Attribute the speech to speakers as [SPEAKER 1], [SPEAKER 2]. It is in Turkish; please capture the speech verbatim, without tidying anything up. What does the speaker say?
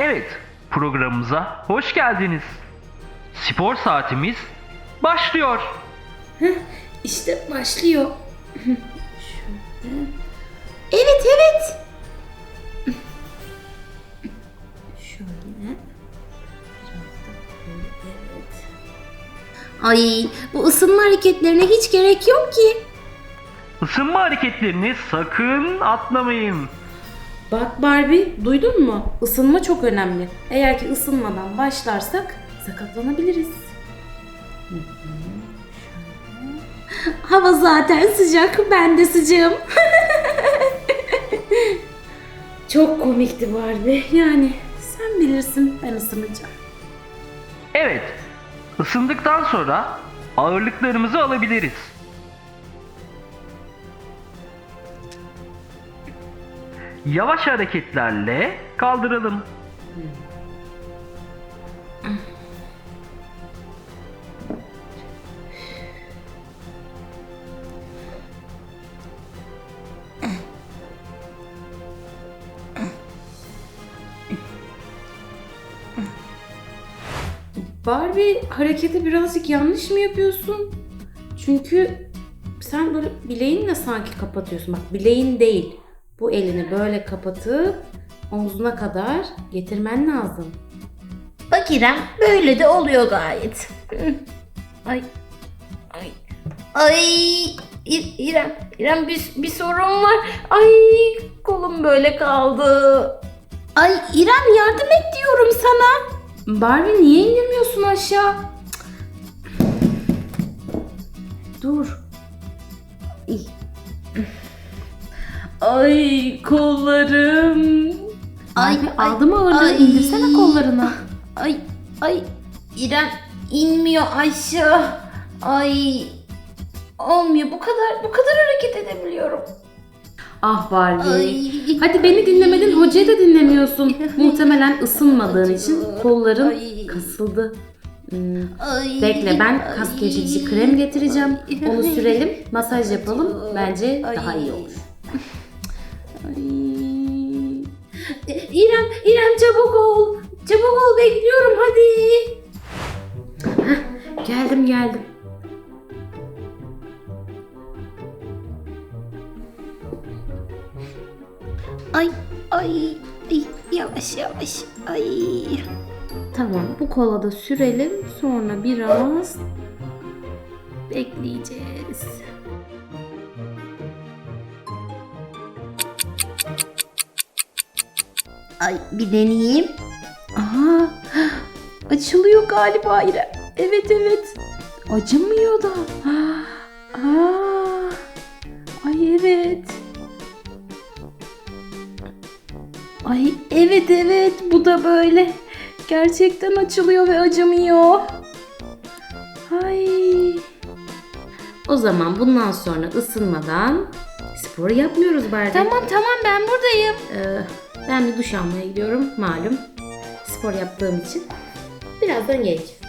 [SPEAKER 1] Evet, programımıza hoş geldiniz. Spor saatimiz başlıyor.
[SPEAKER 2] Heh, işte başlıyor. Şöyle. Evet evet. Şöyle. Biraz da böyle, evet. Ay, bu ısınma hareketlerine hiç gerek yok ki.
[SPEAKER 1] Isınma hareketlerini sakın atlamayın.
[SPEAKER 2] Bak Barbie, duydun mu? Isınma çok önemli. Eğer ki ısınmadan başlarsak sakatlanabiliriz. Hı hı. Şöyle. Hava zaten sıcak, ben de sıcağım. Çok komikti Barbie. Yani sen bilirsin, ben ısınacağım.
[SPEAKER 1] Evet, ısındıktan sonra ağırlıklarımızı alabiliriz. Yavaş hareketlerle kaldıralım.
[SPEAKER 2] Barbie, hareketi birazcık yanlış mı yapıyorsun? Çünkü sen böyle bileğinle sanki kapatıyorsun. Bak, bileğin değil. Bu elini böyle kapatıp omzuna kadar getirmen lazım.
[SPEAKER 3] Bak İrem, böyle de oluyor gayet. Ay. Ay. Ay. İ- İrem, İrem bir, bir sorun var. Ay, kolum böyle kaldı.
[SPEAKER 2] Ay İrem, yardım et diyorum sana. Barbie, niye indirmiyorsun aşağı? Cık. Dur. İy. Ay kollarım.
[SPEAKER 3] Ay,
[SPEAKER 2] Barbie,
[SPEAKER 3] ay,
[SPEAKER 2] aldı mı ağırlığı?
[SPEAKER 3] ay.
[SPEAKER 2] İndirsene kollarını.
[SPEAKER 3] Ay, ay. İrem inmiyor aşağı. Ay. Olmuyor. Bu kadar bu kadar hareket edebiliyorum.
[SPEAKER 2] Ah Barbie.
[SPEAKER 3] Ay.
[SPEAKER 2] Hadi beni dinlemedin, hocayı da dinlemiyorsun. Muhtemelen ısınmadığın için kolların
[SPEAKER 3] Ay.
[SPEAKER 2] kasıldı. Hmm.
[SPEAKER 3] Ay.
[SPEAKER 2] Bekle, ben kas gevşetici krem getireceğim.
[SPEAKER 3] Ay.
[SPEAKER 2] Onu sürelim, masaj yapalım. Bence
[SPEAKER 3] Ay.
[SPEAKER 2] daha iyi olur. Ay. İrem, İrem çabuk ol. Çabuk ol, bekliyorum hadi. Heh, geldim geldim.
[SPEAKER 3] Ay, ay, ay, yavaş yavaş, ay.
[SPEAKER 2] Tamam, bu kola da sürelim. Sonra biraz bekleyeceğiz.
[SPEAKER 3] Ay, bir deneyeyim.
[SPEAKER 2] Aha, açılıyor galiba İrem. Evet evet. Acımıyor da. Aa, ay evet. Ay evet evet, bu da böyle. Gerçekten açılıyor ve acımıyor. Ay. O zaman bundan sonra ısınmadan spor yapmıyoruz Barbie.
[SPEAKER 3] Tamam tamam, ben buradayım.
[SPEAKER 2] Ee, ben bir duş almaya gidiyorum malum. Spor yaptığım için. Birazdan geleceğim.